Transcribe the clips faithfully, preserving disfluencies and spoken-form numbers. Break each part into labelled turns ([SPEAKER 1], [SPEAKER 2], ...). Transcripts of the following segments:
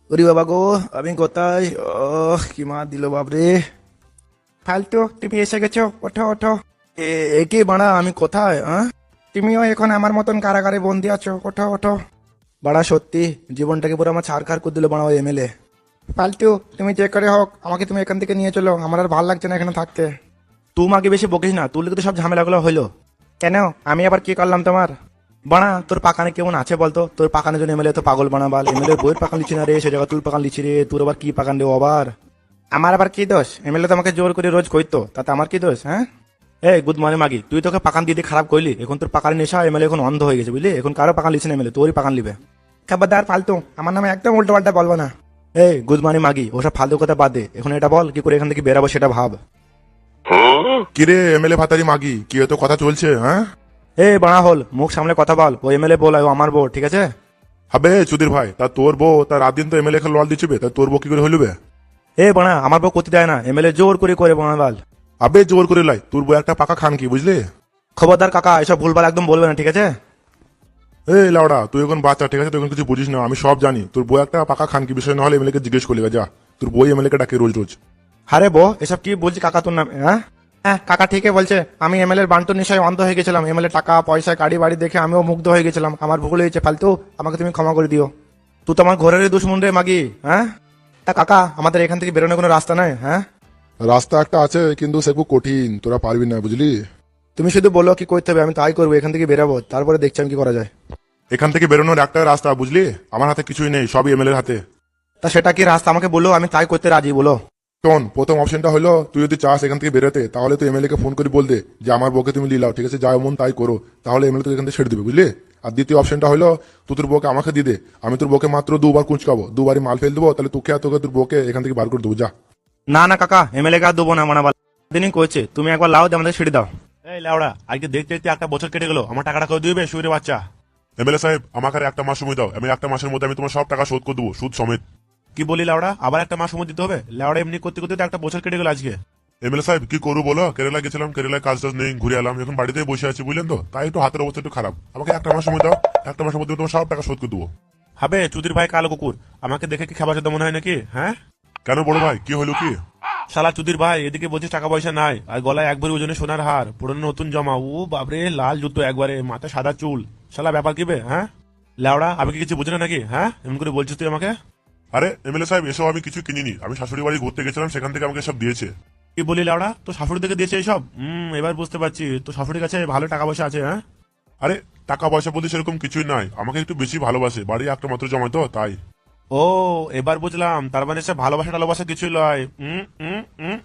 [SPEAKER 1] ওরে বাবা গো, আমি কোথায়? ওহ, কি মা দিল বাপরে। ফালতু, তুমি এসে গেছো, ওঠো ওঠো। এ এ কি বাড়া, আমি কোথায়? হ্যাঁ, তুমিও এখন আমার মতন কারাগারে বন্দি আছো, ওঠো ওঠো। বাড়া সত্যি জীবনটাকে পুরো আমার ছাড়খাড় করে দিল বাড়া ওই এমএলএ। ফালতু, তুমি যে করে হোক আমাকে তুমি এখান থেকে নিয়ে চলো, আমার আর ভালো লাগছে না এখানে থাকতে। তুমি আগে বেশি বকিস না, তুই তো সব ঝামেলাগুলো হইলো। কেন, আমি আবার কি করলাম তোমার? বানা তোর পাকানে কেমন আছে বলতো? তোর পাকানের জন্য এমএলএ তো পাগল বানা বাল, এমএলএ বইয়ের পাকান লিচি না রে, সে জায়গা তুই পাকান লিচি রে, তোর আবার কি পাকান রে আবার? আমার আবার কি দোষ? এমএলএ তো আমাকে জোর করে রোজ কইতো, তাতে আমার কি দোষ? হ্যাঁ, এই গুড মর্নিং মাগি, তুই তোকে পাকান দিয়ে দিয়ে খারাপ করলি, এখন তোর পাকানের নেশা, এমএলএ এখন অন্ধ হয়ে গেছে বুঝলি, এখন কারো পাকান লিচি না এমএলএ, তোরই পাকান লিবে। খাবারদার ফালতু, আমার নামে একদম উল্টো পাল্টা বলবো না। এই গুড মর্নিং মাগি, ওসব ফালতু কথা বাদ দে, এখন এটা বল কি করে এখান থেকে বেরাবো সেটা ভাব।
[SPEAKER 2] কিরে এমএলএ ভাতারি মাগি, কি তো কথা চলছে? হ্যাঁ,
[SPEAKER 1] এই বাড়া হল, মুখ সামলে কথা বল, ও এমএলএ বল, ও আমার বউ, ঠিক আছে?
[SPEAKER 2] হবে চুদির ভাই, তা তোর বউ তার রাত দিন তো এমএলএ কে লল দিচ্ছিবে, তা তোর বউ কি করে হইলবে?
[SPEAKER 1] এ বাড়া, আমার বউ করতে দেয় না, এমএলএ জোর করে করে বাড়া বাল।
[SPEAKER 2] আবে জোর করে লাই, তোর বউ একটা পাকা খান কি বুঝলি?
[SPEAKER 1] খবরদার কাকা, এসব ভুলভাল একদম বলবে না, ঠিক আছে?
[SPEAKER 2] এই লাউডা, তুই এখন বাচ্চা, ঠিক আছে? তুই এখন কিছু বুঝিস না, আমি সব জানি। তোর বউ একটা পাকা খান কি বিষয় না হলে এমএলএ কে জিজ্ঞেস করলি যা, তোর বই এমএলএ কে ডাকে রোজ রোজ।
[SPEAKER 1] আরে বউ, এসব কি বলছি কাকা তোর নামে? হ্যাঁ হ্যাঁ, কাকা ঠিকই বলছে, আমি এমএলএ এর বান্টুর নেশায় অন্ধ হয়ে গেছিলাম, এমএলএ টাকা পয়সা গাড়ি বাড়ি দেখে আমিও মুগ্ধ হয়ে গেছিলাম, আমার ভুল হয়েছে, ফালতু আমাকে তুমি ক্ষমা করে দিও। তুই তো আমার ঘরের দুশ্মন রে মাগি। হ্যাঁ, তা কাকা, আমাদের এখান থেকে বেরোনোর কোনো রাস্তা নাই? হ্যাঁ,
[SPEAKER 2] রাস্তা একটা আছে, কিন্তু সে খুব কঠিন, তোরা পারবি না বুঝলি।
[SPEAKER 1] তুমি শুধু বলো কি করতে হবে, আমি তাই করবো, এখান থেকে বেরাবো, তারপরে দেখছি আমি কি করা যায়।
[SPEAKER 2] এখান থেকে বেরোনোর একটা রাস্তা বুঝলি, আমার হাতে কিছুই নেই, সবই এমএলএ এর হাতে।
[SPEAKER 1] তা সেটা কি রাস্তা আমাকে বলো, আমি তাই করতে রাজি, বলো।
[SPEAKER 2] শোন, প্রথম অপশনটা হলো তুই যদি চাস এখান থেকে বেরোতে, তাহলে তুই এমএলএ কে ফোন করে বল দে যে আমার বউকে তুমি লিলাও, ঠিক আছে? যা মন তাই করো, তাহলে এমএলএ তোকে এখান থেকে ছেড়ে দিবে বুঝলি। আর দ্বিতীয় অপশনটা হলো তুই তোর বউকে আমাকে দিয়ে দে, আমি তোর বউকে মাত্র দুবার কুঁচকাবো, দুবারই মাল ফেল দেবো, তাহলে তোকে আর তোকে তোর বউকে এখান থেকে বার করে দেবো, যা।
[SPEAKER 1] না না কাকা, এমএলএ কে আর দেবো না, মানে দিনই কয়েছে, তুমি একবার লাও দিয়ে আমাদের ছেড়ে দাও।
[SPEAKER 3] এই লাউড়া, আজকে দেখতে দেখতে একটা বছর কেটে গেল, আমার টাকাটা করে দিবে শুয়ে বাচ্চা।
[SPEAKER 2] এমএলএ সাহেব, আমাকে আর একটা মাস সময় দাও, আমি একটা মাসের মধ্যে আমি তোমার সব টাকা শোধ করে দেবো, সুদ সমেত।
[SPEAKER 3] কি বলি লাউড়া, আবার একটা মাস সময় দিতে হবে? লাউড়া এমনি করতে করতে তো একটা বছর কেটে গেল আজকে।
[SPEAKER 2] এমএলএ সাহেব কি করবো বলো, কেরালা গেছিলাম, কেরালায় কাজ টাজ নেই, ঘুরে এলাম, এখন বাড়িতেই বসে আছি বুঝলেন তো, তাই একটু হাতের অবস্থা একটু খারাপ, আমাকে একটা মাস সময় দাও, একটা মাসের মধ্যে তোমার সব টাকা শোধ করে দেবো।
[SPEAKER 3] হবে চুদির ভাই কালো কুকুর, আমাকে দেখে কি খাবার সাথে মনে হয় নাকি? হ্যাঁ,
[SPEAKER 2] কেন বড় ভাই, কি হলো কি?
[SPEAKER 3] শালা চুদির ভাই, এদিকে বলছিস টাকা পয়সা নাই, আর গলায় একবারে ওজনে সোনার হার, পুরনো নতুন জমা, ও বাবরে লাল জুতো একবারে, মাথায় সাদা চুল, শালা ব্যাপার কি বে? হ্যাঁ লাউড়া, আমি কি কিছু বুঝি না নাকি? হ্যাঁ, এমন করে বলছিস তুই আমাকে?
[SPEAKER 2] আরে এমএলএ সাহেব, এসব আমি কিছু কিনিনি, আমি শাশুড়ি বাড়ি ঘুরতে গেছিলাম, সেখান থেকে আমাকে সব দিয়েছে।
[SPEAKER 3] কি বলি লাউড়া, তো শাশুড়ি থেকে দিয়েছে এইসব? হম, এবার বুঝতে পারছি তো শাশুড়ির কাছে ভালো টাকা পয়সা আছে। হ্যাঁ,
[SPEAKER 2] আরে টাকা পয়সা বলতে সেরকম কিছুই নাই, আমাকে একটু বেশি ভালোবাসে, বাড়ি একটা মাত্র জমায় তো তাই।
[SPEAKER 3] ও, এবার বুঝলাম, তার মানে সে ভালোবাসা টালোবাসা কিছুই লয়। উম, উম, উম,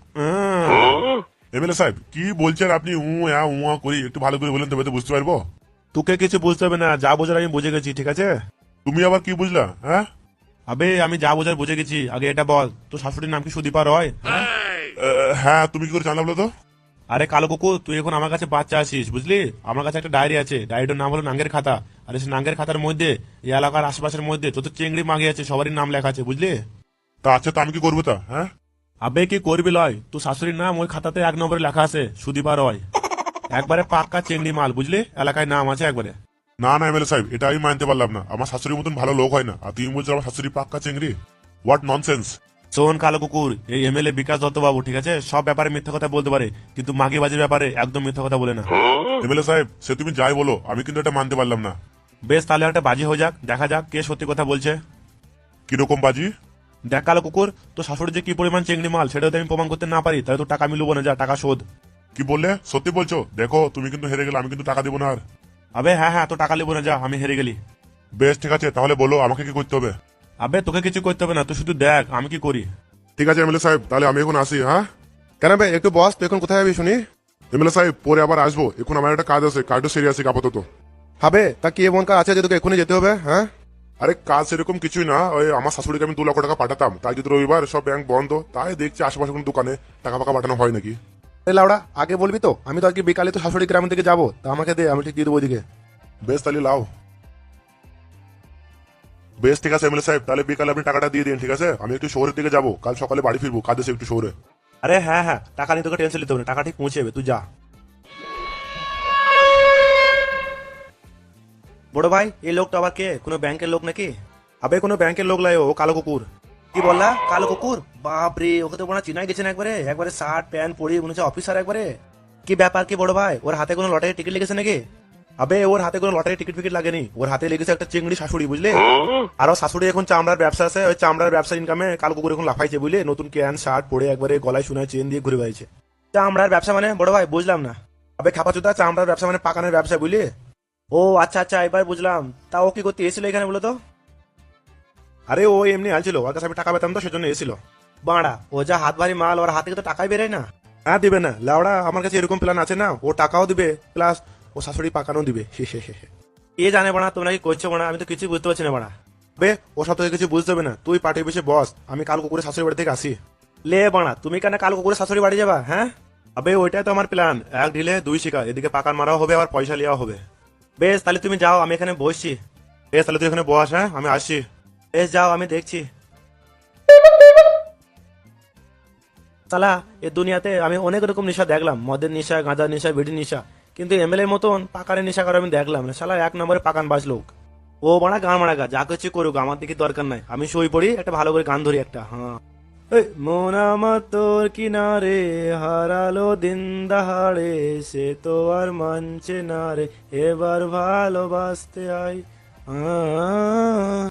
[SPEAKER 3] উম।
[SPEAKER 2] এমএলএ সাহেব কি বলছেন আপনি? উ আ উ আ করি, একটু ভালো করে বলেন তবে তো বুঝতে পারবো।
[SPEAKER 3] তোকে কিছু বুঝতে হবে না, যা বোঝার আমি বুঝে গেছি, ঠিক আছে?
[SPEAKER 2] তুমি আবার কি বুঝলা? হ্যাঁ,
[SPEAKER 3] আবে আমি যা বোঝার বুঝে গেছি, আগে এটা বল, তো শাশুড়ির নাম কি সুদীপা রয়? হ্যাঁ?
[SPEAKER 2] আহ, হ্যাঁ, তুমি কি করে জানলা বলো তো?
[SPEAKER 3] আরে কালো কুকুর, তুই এখন আমার কাছে বাচ্চা আসিস বুঝলি, আমার কাছে একটা ডায়েরি আছে, ডায়েরিটার নাম হলো নাঙ্গের খাতা, আর সেই নাঙ্গের খাতার মধ্যে এই এলাকার আশেপাশের মধ্যে যত চিংড়ি মাগি আছে সবারই নাম লেখা আছে বুঝলি।
[SPEAKER 2] তা আচ্ছা, তো আমি কি করবো তা? হ্যাঁ,
[SPEAKER 3] আবে কি করবি লয়, তোর শাশুড়ির নাম ওই খাতাতে এক নম্বরে লেখা আছে, সুদীপা রয়, একবারে পাক্কা চিংড়ি মাল বুঝলি, এলাকায় নাম আছে একবারে।
[SPEAKER 2] না না এমএলএ সাহেব, এটা আমি মানতে পারলাম না, আমার শাশুড়ির মতন ভালো লোক হয় না, আর তুমি বলছো আমার শাশুড়ি পাক্কা চিংড়ি? What nonsense.
[SPEAKER 3] শোন কালো কুকুর, এই এমএলএ বিকাশ দত্ত বাবু, ঠিক আছে, সব ব্যাপারে মিথ্যা কথা বলতে পারে, কিন্তু মাগিবাজির ব্যাপারে একদম মিথ্যা কথা বলে না।
[SPEAKER 2] এমএলএ সাহেব, সে তুমি যাই বলো, আমি কিন্তু এটা মানতে পারলাম না।
[SPEAKER 3] বেশ, তাহলে একটা বাজি হয়ে যাক, দেখা যাক কে সত্যি কথা বলছে।
[SPEAKER 2] কিরকম বাজি?
[SPEAKER 3] দেখ কালো কুকুর, তো শাশুড়ি যে কি পরিমাণ চিংড়ি মাল সেটা যদি আমি প্রমাণ করতে না পারি, তাহলে তো টাকা আমি লুবো না, যা টাকা শোধ।
[SPEAKER 2] কি বললে? সত্যি বলছো? দেখো তুমি কিন্তু হেরে গেলে, আমি কিন্তু টাকা দেবো না আর।
[SPEAKER 3] আবে হ্যাঁ হ্যাঁ, তো টাকা লিবো না, যা, আমি হেরে গেলি।
[SPEAKER 2] বেশ ঠিক আছে, তাহলে বলো আমাকে কি করতে হবে?
[SPEAKER 3] আবে তোকে কিছু করতে হবে না, তুই শুধু দেখ আমি কি করি।
[SPEAKER 2] ঠিক আছে এমএলএ সাহেব, তাহলে আমি এখন আসি। হ্যাঁ,
[SPEAKER 1] কেন ভাই, একটু বস, তুই এখন কোথায় যাবি শুনি?
[SPEAKER 2] এমএলএ সাহেব পরে আবার আসবো, এখন আমার একটা কাজ আছে, কাজটা সেরে আসি আপাতত।
[SPEAKER 1] হবে, তা কি এমন কাজ আছে যে তোকে এখনই যেতে হবে? হ্যাঁ,
[SPEAKER 2] আরে কাজ সেরকম কিছুই না, ওই আমার শাশুড়িকে আমি দু লক্ষ টাকা পাঠাতাম, তাই যদি রবিবার সব ব্যাংক বন্ধ, তাই দেখছি আশেপাশে কোনো দোকানে টাকা ফাঁকা পাঠানো হয় নাকি।
[SPEAKER 1] এই লাউড়া, আগে বলবি তো, আমি তো আজকে বিকালে তো শাশুড়ি গ্রামের দিকে যাবো, তা আমাকে দে, আমি ঠিক দিয়ে দেবো ওইদিকে।
[SPEAKER 2] বেশ তাহলে লাও। বেশ ঠিক আছে এমএলএ সাহেব, তাহলে বিকালে আপনি টাকাটা দিয়ে দিন, ঠিক আছে? আমি একটু শহরের দিকে যাবো, কাল সকালে বাড়ি ফিরবো, কাজ আছে একটু শহরে।
[SPEAKER 3] আরে হ্যাঁ হ্যাঁ, টাকা নিয়ে তোকে টেনশন নিতে হবে না, টাকা ঠিক পৌঁছে যাবে, তুই যা।
[SPEAKER 1] বড় ভাই, এই লোকটা আবার কে? কোনো ব্যাংকের লোক নাকি?
[SPEAKER 3] আবে কোনো ব্যাংকের লোক লাই, ও কালো কুকুর।
[SPEAKER 1] কি বললা? কালো কুকুর? বাপ রে, ওকে তো মনে চিনাই গেছেন একবারে, একবারে শার্ট প্যান্ট পরে মনে হচ্ছে অফিসার একবারে। কি ব্যাপার কি বড় ভাই, ওর হাতে কোনো লটারি টিকিট লেগেছে নাকি?
[SPEAKER 3] আবে ওর হাতে কোনো লটারি টিকিট ফিকিট লাগেনি, ওর হাতে লেগেছে একটা চিংড়ি শাশুড়ি, বুঝলে? আর ওর শাশুড়ি এখন চামড়ার ব্যবসা আছে, ওই চামড়ার ব্যবসা ইনকামে কালো কুকুর এখন লাফাইছে, বুঝলে? নতুন ক্যান শার্ট পরে একবারে গলায় শোনায় চেন দিয়ে ঘুরে বেড়াইছে।
[SPEAKER 1] চামড়ার ব্যবসা মানে বড় ভাই বুঝলাম না।
[SPEAKER 3] আবে খাপাচুদা, চামড়ার ব্যবসা মানে পাকানের ব্যবসা, বুঝলি?
[SPEAKER 1] ও আচ্ছা আচ্ছা, এবার বুঝলাম। তা ও কি করতে এসেছিল এখানে বলো তো?
[SPEAKER 3] আরে ও এমনি আলছিল, ওর কাছে আমি টাকা পেতাম তো সেজন্য এসেছিল।
[SPEAKER 1] বাড়া, ও যা হাত ভারী মাল, ওর হাত থেকে তো টাকাই বেরোয় না।
[SPEAKER 3] হ্যাঁ দিবে না লাউড়া, আমার কাছে এরকম প্ল্যান আছে না, ও টাকাও দিবে প্লাস ও শাশুড়ি পাকানো দিবে।
[SPEAKER 1] এ জানে বাড়া, তোমরা কি করছো বাড়া? আমি তো কিছু বুঝতে পারছি না বাড়া।
[SPEAKER 3] বে ও সব থেকে কিছু বুঝতে হবে না, তুই পার্টি বেশি বস, আমি কাল কুকুরের শাশুড়ি বাড়ি থেকে আসি।
[SPEAKER 1] লে বাড়া, তুমি কেন কাল কুকুরের শাশুড়ি বাড়ি যাবা? হ্যাঁ,
[SPEAKER 3] আবে ওইটাই তো আমার প্ল্যান, এক ঢিলে দুই শিকার, এদিকে পাকান মারাও হবে আবার পয়সা লিয়াও হবে।
[SPEAKER 1] বেশ তাহলে তুমি যাও, আমি এখানে বসছি।
[SPEAKER 3] বেশ তাহলে তুই এখানে বস, হ্যাঁ আমি আসছি।
[SPEAKER 1] বেশ যাও, আমি দেখছি। সালা, এ দুনিয়াতে আমি অনেক রকম নেশা দেখলাম, মদের নেশা, গাঁজার নেশা, বিড়ির নেশা, কিন্তু এমএলএর মতন পাকারের নেশা করে আমি দেখলাম না। সালা এক নম্বরে পাকান বাজ লোক। ও মারা গান মারা গা, যা কিছু করুক, আমার দিকে দরকার নাই। আমি শুই পড়ি, একটা ভালো করে গান ধরি একটা। হ্যাঁ, এই মন আমার তোর কিনারে হারালো দিন দাহাড়ে, সে তো আর মানছে না রে, এবার ভালোবাসতে আই। আ